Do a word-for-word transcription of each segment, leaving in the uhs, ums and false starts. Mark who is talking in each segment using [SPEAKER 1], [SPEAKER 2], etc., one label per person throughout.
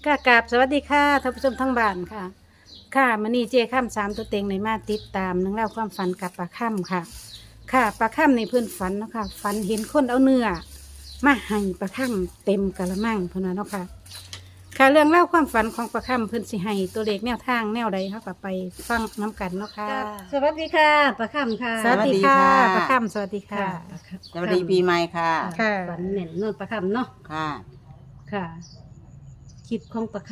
[SPEAKER 1] ค่ะกราบสวัสดีค่ะท่านผู้ชมทั้งบ้านค่ะ ค่ะมื้อนี้เจค่ำสามตัวเต็งในมาติดตามเรื่องเล่าวความฝันกับปลาค่ำค่ะ ค่ะปลาค่ำในเพื่อนฝันเนาะค่ะฝันเห็นคนเอาเนื้อมาให้ปลาค่ำเต็มกะละมังเพื่อนว่าเนาะค่ะ ค่ะเรื่องเล่าวความฝันของปลาค่ำเพื่อนสิให้ตัวเลขแนวทางแนวใดเขาก็ไปฟังน้กันเนาะค่ะ
[SPEAKER 2] สวัสดีค่ะประคำค่ะ
[SPEAKER 1] สวัสดีค่ะ
[SPEAKER 3] สวัสดีค่ะ
[SPEAKER 1] ปลาค่ำสวัสดีค่ะ
[SPEAKER 3] สวัสดีปีใหม่ค่ะ
[SPEAKER 1] ค่ะ
[SPEAKER 2] ฝันเหม็นนวลประคำเนาะ
[SPEAKER 3] ค่ะ
[SPEAKER 2] ค่ะคลิปของประค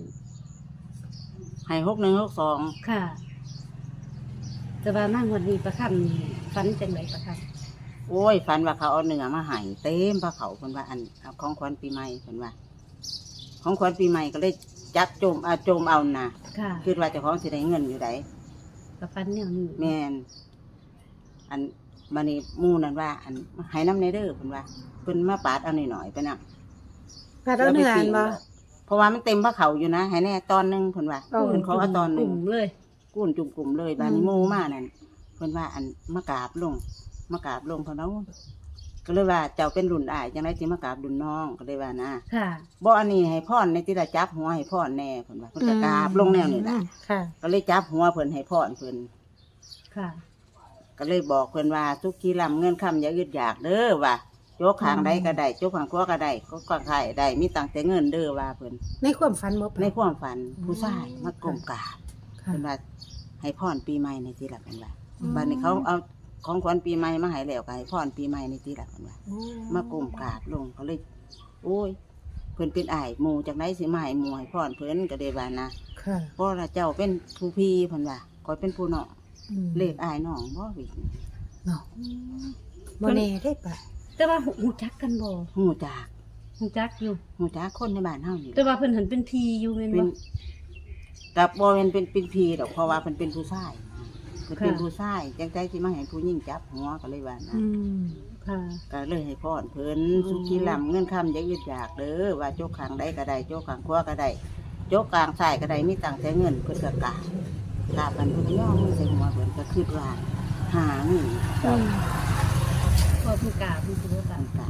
[SPEAKER 3] ให้หกหนึ่งหกสอง
[SPEAKER 2] ำค่ะแต่ว่ามากวันนี้ประคำนี่ฝันจังไรประค
[SPEAKER 3] โอ้ยฝันว่าเขาเอาเนื้อมาให้เต็มพระเขาเพิ่นว่าอันเอาของขวัญปีใหม่เพิ่นว่า ของขวัญปีใหม่ก็เลยจับโจมเอาโจมเอานะ
[SPEAKER 2] ำค่ะ
[SPEAKER 3] คิดว่าเจ้าของสิได้เงินอยู่ได
[SPEAKER 2] ประฝันแนวนี้
[SPEAKER 3] แม่นอันบัดนี้หมู่นั่นว่า อันให้น้ำในเด้อเพิ่นว่าเพิ่นมาปาดเอาหน่อยๆไปนำ
[SPEAKER 1] ปลาเอาเนื้ออันบ่
[SPEAKER 3] เพราะว่ามันเต็มพระเขาอยู่นะให้แน่ตอนหนึงเพิ่นว่า
[SPEAKER 1] โอ้
[SPEAKER 3] เพิ่นขอเอาตอนหนึ
[SPEAKER 2] ก
[SPEAKER 3] ง
[SPEAKER 2] ลุ่มเลย
[SPEAKER 3] กุ้นจุ่มกลุ่มเลยบานิโมมานั่นเพิ่นว่าอันมากราบลงมากราบลงเพิ่นเอาก็เลยว่าเจ้าเป็นรุ่นอ้ายจังได๋สิมากราบรุ่นน้องก็เลยว่านะ
[SPEAKER 2] ค่ะ
[SPEAKER 3] บ่อันนี้ให้พรในที่ละจับหัวให้พรแน่เพิ่นว่าเพิ่นก็กราบลงแนวนี่ล่ะ
[SPEAKER 1] ค่ะ
[SPEAKER 3] ก็เลยจับหัวเพิ่นให้พรเพิ่น
[SPEAKER 2] ค่ะ
[SPEAKER 3] ก็เลยบอกเพิ่นว่าทุกทีลำเงินคำอย่าอึดอยากเด้อว่าโจกข้างใดก็ได้โจกข้างขวาก็ได้ก็ข้างใครได้มีตังแต่เงินเด้อว่าเพิ่น
[SPEAKER 1] ในความฝันบ่
[SPEAKER 3] ในความฝันผู้ชายมากรมกราบ
[SPEAKER 1] ค่ะ
[SPEAKER 3] เพิ่นว่าให้พรปีใหม่ในที่ละเพิ่นว่า
[SPEAKER 1] อืม
[SPEAKER 3] บัดนี้เขาเอาของขวัญปีใหม่มาให้แล้วก็ให้พรปีใหม่ในที่ละเพิ่นว่า
[SPEAKER 1] โอ้
[SPEAKER 3] มากรมกราบลงเขาเลย โอ้ย เพิ่นเป็นอ้ายหมู่จากไหนสิมาให้หมู่ให้พรเพิ่นก็ได้ว่านะ
[SPEAKER 1] ค่ะ
[SPEAKER 3] เพราะว่าเจ้าเป็นผู้พี่เพิ่นว่าคอยเป็นผู้น้อง
[SPEAKER 1] อืม
[SPEAKER 3] เลขอ้ายน้องบ่วิ
[SPEAKER 1] เนาะบ่แน่ได้ปะ
[SPEAKER 2] แต่ว่าหูจักกันบ่
[SPEAKER 3] ฮู้จัก
[SPEAKER 2] หูจักอยู่
[SPEAKER 3] ฮู้จักคนในบ้านเฮานี่
[SPEAKER 2] แต่ว่าเพิ่นเห็นเป็นทีอยู่แม่น
[SPEAKER 3] เป็
[SPEAKER 2] บ่
[SPEAKER 3] นกับบ่แม่นเป็นเป็นพี่ดอกเพราะว่าเพิ่นเป็นผู้ชายเพิ่นเป็น
[SPEAKER 2] ค่ะ
[SPEAKER 3] ผู้ชายจังใจสิมาให้ผู้หญิงจับหัวก็เลยว่านะ
[SPEAKER 1] อืม
[SPEAKER 2] ค่ะ
[SPEAKER 3] ก็เลยให้พรเพิ่น
[SPEAKER 2] อืม
[SPEAKER 3] สุขีลำเงินคำอย่าอึดอยากเด้อว่าโจกข้างใดก็ได้โจกข้างขวาก็ได้โจกกลางซ้ายก็ได้มีตังแต่เงินเพิ่นก็กราบกราบกันเพิ่นก็ย่อมือใส่หัวเพิ่นก็คิดว่าหาเงินเจ้า
[SPEAKER 2] พอเพิ่นกราบเพิ่นสิบ่กราบ
[SPEAKER 3] ต่าง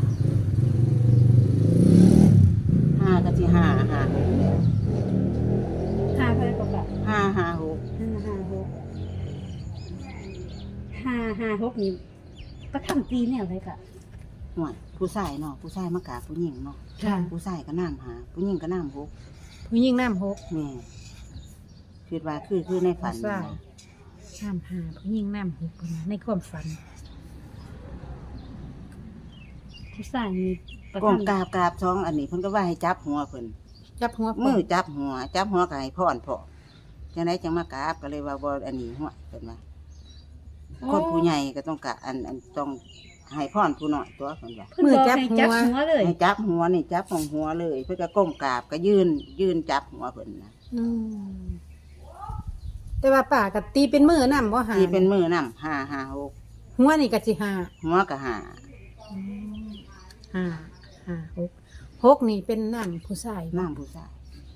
[SPEAKER 3] ๆห้าก็ที่ห้าห้าหกแล้ว
[SPEAKER 2] ห้าเท่าไหร่ก็กราบ
[SPEAKER 3] ห้าห้าหก
[SPEAKER 2] ห้าห้าหกห้าห้าหกนี่ประคำตีแนวไรกะ
[SPEAKER 3] ห่วยผู้ชายเนาะผู้ชายมากราบผู้หญิงเนาะ
[SPEAKER 1] ค่ะ
[SPEAKER 3] ผู้ชายก็น้ำหาผู้หญิงก็น้ำหก
[SPEAKER 1] ผู้หญิงน้ำหก
[SPEAKER 3] แม่คิดว่าคือคือในฝัน
[SPEAKER 1] ผู้ชาย
[SPEAKER 3] นะ
[SPEAKER 1] น้ำหาผู้หญิงน้ำหกพุ่นน่ะในความฝัน
[SPEAKER 2] ผู้ชายนี่ประ
[SPEAKER 3] ก้ม
[SPEAKER 2] คำ
[SPEAKER 3] กราบกราบท้องอันนี้เพิ่นก็ว่าให้จับหัวเพิ่น
[SPEAKER 1] จับหัว
[SPEAKER 3] มือจับหัว จับหัวก็ให้พรพอจังไดจังมากราบก็เลยว่าบ่อันนี้หัวเพิ่นว่าคนผู้ใหญ่ก็ต้องกะอันอันต้องให้พรผู้น้อยตัวเพิ่นว่า
[SPEAKER 2] เพิ่นบอกให้จับหัวเลย
[SPEAKER 3] ให้จับหัวนี่จับของหัวเลย เพื่อก็ก้มกราบก็ยืนยืนจับหัวเพิ่นนะ
[SPEAKER 1] อืมแต่ว่าป่ากับตีเป็นมือน้ำบ่หา
[SPEAKER 3] ที่เป็นมือนำห้าห้าหก
[SPEAKER 1] หัวนี่ก็สิหา
[SPEAKER 3] หัวก็หา
[SPEAKER 1] ห้าห้าหกหกนี่เป็นน้ำผู้ชาย
[SPEAKER 3] น้ำผู้ชาย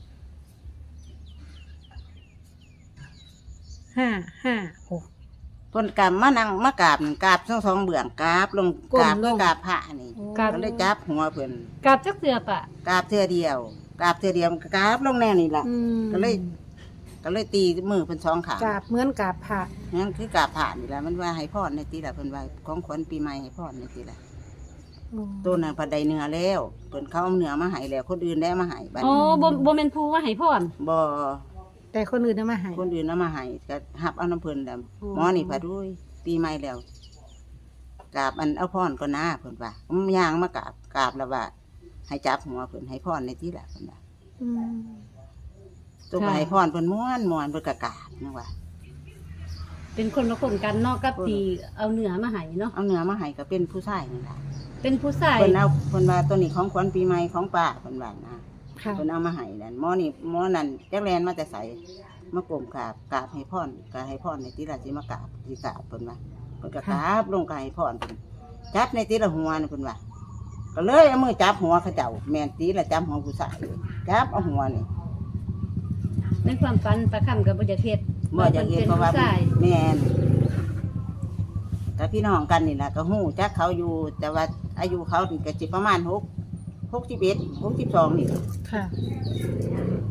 [SPEAKER 1] ห้าห้าหก
[SPEAKER 3] เพิ่นกราบมานั่งมากราบนั่นกราบทั้งสองเบื้องกราบลง
[SPEAKER 1] ก้ม
[SPEAKER 3] กราบ
[SPEAKER 1] ลง
[SPEAKER 3] กราบพระนี่
[SPEAKER 2] กราบ
[SPEAKER 3] ก็เลยจับหัวเพิ่น
[SPEAKER 2] กราบจักเสือปะ
[SPEAKER 3] กราบเทื่อเดียวกราบเทื่อเดียวกราบลงแน่นี่ล่ะ
[SPEAKER 1] อืม
[SPEAKER 3] ก็เลย ก็เลยตีมือเพิ่นสองขาง
[SPEAKER 1] กราบเหมือนกราบพระ
[SPEAKER 3] นั่นคือกราบพระนี่ล่ะมันว่าให้พรในตีล่ะเพิ่นว่าของขวัญปีใหม่ให้พรในตีล่ะ
[SPEAKER 1] อืม
[SPEAKER 3] ตัวนั้นพัดใดเนื้อแล้วเพิ่นเขาเอาเนื้อมาให้แล้วคนอื่นได้มาให้บัด
[SPEAKER 2] อ๋อ
[SPEAKER 3] นี้
[SPEAKER 2] บ่บ่แม่นผู้ว่าให้พร
[SPEAKER 3] บ่
[SPEAKER 1] แต่คนอื่นเอามาให้
[SPEAKER 3] คนอื่นเอามาให้ก็หับเอาน้ำเพิ่นแล้ว
[SPEAKER 2] อ๋อ
[SPEAKER 3] หมอนี่พัดด้วยปีใหม่แล้วกราบอันเอาพรก่อนนะเพิ่นว่าผมย่างมากราบกราบแล้วว่า ให้จับหัวเพิ่นให้พรในที่ละเพิ่นว่า
[SPEAKER 1] อืม
[SPEAKER 3] ตัวก็ให้พรเพิ่นม้วนม้วนเพิ่นก็กราบนะว่า
[SPEAKER 2] เป็นคนละคนกันเนาะกับที่เอาเนื้อมาให้เนาะ
[SPEAKER 3] เอาเนื้อมาให้ก็เป็นผู้ชายนี่ล่ะ
[SPEAKER 2] เป็นผู้ชาย
[SPEAKER 3] เพิ่นเอาเพิ่นว่าตัวนี้ของขวัญปีใหม่ของป้าเพิ่นว่านะ
[SPEAKER 1] ค่ะ
[SPEAKER 3] เพิ่นเอามาให้นั่นหมอนี่หมอนั่นจักแลนมาแต่ไสมากรมกราบกราบให้พรก็ให้พรในที่ละสิมากราบสิกราบเพิ่นว่าเพิ่นก็กราบลงก็ให้พรเพิ่นจับในที่ละหัวนี่เพิ่นว่าก็เลยเอามือจับหัวเขาเจ้าแม่นตีละจับหัวผู้ชายเลยจับเอาหัวนี่
[SPEAKER 2] ในความฝันประคำกับบ่อยากเฮ็ด
[SPEAKER 3] บ่อยากเห็นเพราะว่า
[SPEAKER 2] ผู้ชาย
[SPEAKER 3] แม่นกับพี่น้องกันนี่แหละก็หู้จักเขาอยู่ แต่ว่าอายุเขานี่ก็สิประมาณหกหกสิบเอ็ดหกสิบสองนี่
[SPEAKER 1] ค่ะ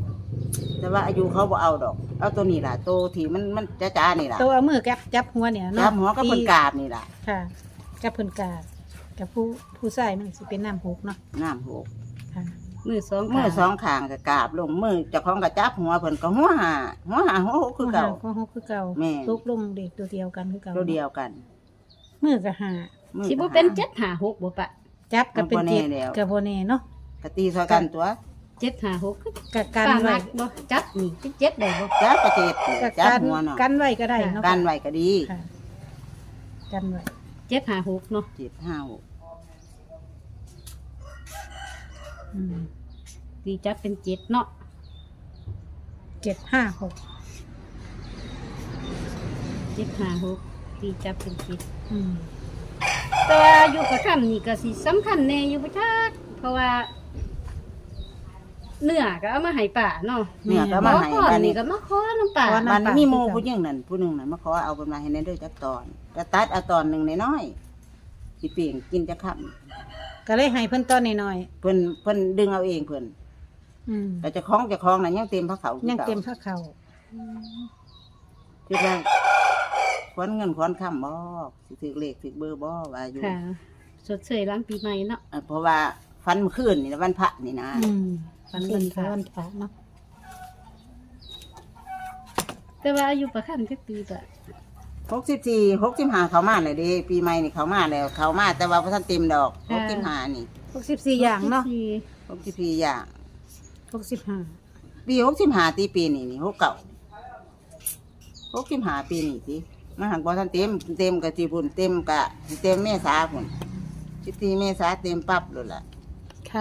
[SPEAKER 3] แต่ว่าอายุเขาบ่เอาดอก เอาตัวนี้ล่ะตัวที่มันมันจ้าๆนี่ล่ะ
[SPEAKER 1] ตัวเอามือจับจับหัวเนี่ยเนาะ
[SPEAKER 3] จับหัวก็เพิ่นกราบนี่ล่ะ
[SPEAKER 1] ค่ะจับเพิ่นกราบกับผู้ผู้ชายมันสิเป็นน้ำหกเนาะ
[SPEAKER 3] น้ำหก
[SPEAKER 1] ค่ะ
[SPEAKER 2] มือสอง
[SPEAKER 3] มือ
[SPEAKER 2] ข้าง
[SPEAKER 3] สองข้างก็กราบลงมือเจ้าของก็จับหัวเพิ่นก็หัวหาหัวหาหัวหกคือเก่า
[SPEAKER 1] หัวหกคือเก่า
[SPEAKER 3] แม่
[SPEAKER 1] ตกลงเด็กตัวเดียวกันคือเก่า
[SPEAKER 3] ตัวเดียวกัน
[SPEAKER 1] มือก็หา
[SPEAKER 3] มือ
[SPEAKER 2] สิ
[SPEAKER 3] ก็
[SPEAKER 2] บ่เป็น
[SPEAKER 3] หา
[SPEAKER 2] เจ็ดห้าหกบ่ปะ
[SPEAKER 1] จับก็เป็นเจ็ด
[SPEAKER 3] มันบ่แน่แล้ว
[SPEAKER 1] กับโบเน่เนาะ
[SPEAKER 3] กะตีซอยกันตัว
[SPEAKER 2] เจ็ดห้าหกคือ
[SPEAKER 1] กับกัน
[SPEAKER 2] ป้า
[SPEAKER 1] ไว้
[SPEAKER 2] มักบ่จับนี่เจ็ดได้บ่
[SPEAKER 3] จับกระเจ็ด
[SPEAKER 1] กับ
[SPEAKER 3] จับ
[SPEAKER 1] กัน
[SPEAKER 3] หัวเนาะ
[SPEAKER 1] กันไว้ก็ได้เนาะ
[SPEAKER 3] กันไว้ก็ดี
[SPEAKER 1] ค่ะกันไว้
[SPEAKER 2] เจ็ดห้าหกเนาะ
[SPEAKER 3] เจ็ดห้าหก
[SPEAKER 1] อืม
[SPEAKER 2] ตีจับเป็นเจ็ดเนาะ
[SPEAKER 1] เจ็ดห้าหก
[SPEAKER 2] เจ็ดห้าหกตีจับเป็นเจ็ด
[SPEAKER 1] อืม
[SPEAKER 2] แต่ว่าอยู่กับคำนี่ก็สิสำคัญแน่อยู่บ่จักเพราะว่า เนื้อก็เอามาให้ป่าเนาะ
[SPEAKER 3] เนี่ยก็มาให้
[SPEAKER 2] ขอ
[SPEAKER 3] บัด
[SPEAKER 2] นี่
[SPEAKER 3] นี้
[SPEAKER 2] ก็มาขอน้ำป่า
[SPEAKER 3] มันมีหมู่ผู้หญิงนั่นผู้หนึงนั่นมาขอเอาเพิ่นมาให้ในเด้อจักตอนก็ตัดเอาตอนหนึงน้อยๆสิเปลี่ยนกินจักค่ำ
[SPEAKER 1] ก็เลยให้เพิ่นต้อนหน่อย
[SPEAKER 3] เพิ่นเพิ่นดึงเอาเองเพิ่น
[SPEAKER 1] ๆอืม
[SPEAKER 3] แต่เจะคล้าของเจะคล้าของน่ะยังเต็มพระเขาคือ
[SPEAKER 1] ยัง
[SPEAKER 3] ก่า
[SPEAKER 1] เต็มผ้าเขา
[SPEAKER 3] คิดว่าควนเงินควนคำบ่สิถือเลขถือเบอร์บ่ว่าอยู่
[SPEAKER 2] ค่ะสดเสยหล้างปีใหม่เนาะ
[SPEAKER 3] เอ่อเพราะว่าฟันเมื่อคืนนี่นะวันพระนี่นะ
[SPEAKER 1] อืม
[SPEAKER 2] วั
[SPEAKER 1] วัน น
[SPEAKER 2] วั
[SPEAKER 1] วัน น
[SPEAKER 2] พ
[SPEAKER 1] พ
[SPEAKER 2] ระ
[SPEAKER 1] ระวันพระเนาะ
[SPEAKER 2] แต่ว่าอายุประคันจักปีก็
[SPEAKER 3] หกสิบสี่หกสิบห้าเขามาเลยเด้ปีใหม่นี่เขามาแล้วเขามาแต่ว่าพระท่านเต็มดอกหกสิบห้านี่
[SPEAKER 1] หกสิบสี่อย่างเนาะ
[SPEAKER 2] สี่
[SPEAKER 3] หกสิบสี่อย่าง
[SPEAKER 1] หกสิบห้า
[SPEAKER 3] ปีหกสิบห้าตีปีนี่นี่หกเก่าหกสิบห้าปีนี่สิมาหักบอท่านเต็มเต็มกับจีพุ่นเต็มกะเต็มเมษาพุ่นสิบสี่เมษาเต็มปั๊บเลยล่ะ
[SPEAKER 1] ค่ะ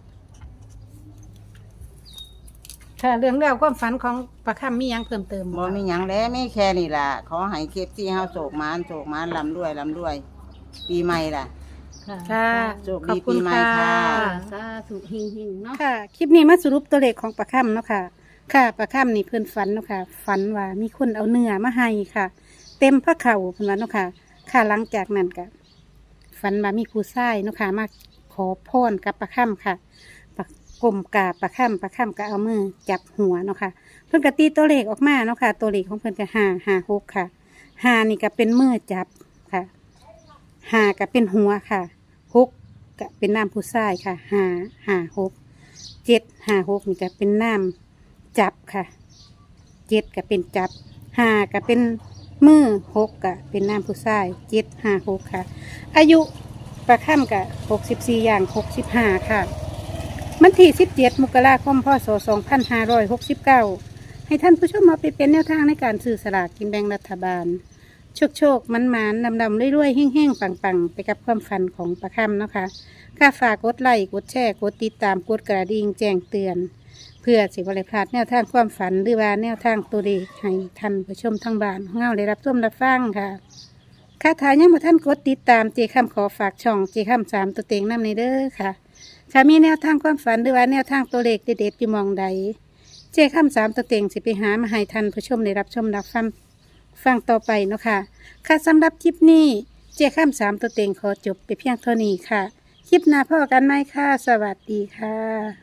[SPEAKER 1] ค่ะเรื่องราวความฝันของประคำมีหยังเพิ่มเติม
[SPEAKER 3] บ่มีหยังแล้วไม่แค่นี่ล่ะขอให้เคฟที่เฮาโศกมานโศกมานลำด้วยลำด้วย ปีใหม่ล่ะ
[SPEAKER 2] ค่ะ
[SPEAKER 1] ค่ะ
[SPEAKER 3] โชคดี
[SPEAKER 1] ขอบคุณ
[SPEAKER 3] ปีใหม่
[SPEAKER 1] ค่ะ
[SPEAKER 3] ค่ะ
[SPEAKER 2] ค่ะสาธุเฮงๆเนาะ
[SPEAKER 1] ค่ะ คลิปนี้มาสรุปตัวเลขของประคำเนาะค่ะ ค่ะประคำนี่เพิ่นฝันเนาะค่ะ ฝันว่ามีคนเอาเนื้อมาให้ค่ะ เต็มพระเข่าเพิ่นว่าเนาะค่ะ ค่ะหลังจากนั้นก็ฝันว่ามีผู้ชายเนาะค่ะมาขอพรกับประคำค่ะประกลมกราบประคำประคำก็เอามือจับหัวเนาะค่ะ เพิ่นก็ตีตัวเลขออกมาเนาะค่ะ ตัวเลขของเพิ่นก็ห้าห้าหกค่ะห้านี่ก็เป็นมือจับค่ะห้าก็เป็นหัวค่ะหกก็เป็นน้ำผู้ชายค่ะห้าห้าหกเจ็ดห้าหกนี่ก็เป็นน้ำจับค่ะเจ็ดก็เป็นจับห้าก็เป็นมือหกก็เป็นน้ำผู้ชายเจ็ดห้าหกค่ะ อายุประค่ำกับหกสิบสี่อย่างหกสิบห้าค่ะมันที่สิบเจ็ดมกราคมพศสองพันห้าร้อยหกสิบเก้าให้ท่านผู้ชมมาไปเป็นแนวทางในการซื้อสลากกินแบ่งรัฐบาล โชคโชคมันหมานดำดำๆรวยๆแห้งๆปังๆ ไปกับความฝันของประคำเนาะค่ะค่าฝากกดไลค์กดแชร์กดติดตามกดกระดิ่งแจ้งเตือน เพื่อสิบริพลาดแนวทางความฝันหรือว่าแนวทางตัวเลขให้ท่านผู้ชมทางบ้านของเราได้รับชมรับฟังค่ะค่าถ่ายยังมาท่านกดติดตามเจคำขอฝากช่องเจคำสามตัวเต็งน้ำในเด้อค่ะถ้ามีแนวทางความฝันหรือว่าแนวทางตัวเลขเด็ดๆอยู่หมองใด เจคำสามตัวเต็งสิไปหามาให้ท่านผู้ชมได้รับชมรับฟังฟังต่อไปเนาะค่ะค่ะสำหรับคลิปนี้เจคำสามตัวเต็งขอจบไปเพียงเท่านี้ค่ะ คลิปหน้าพ่อกันไหมค่ะ สวัสดีค่ะ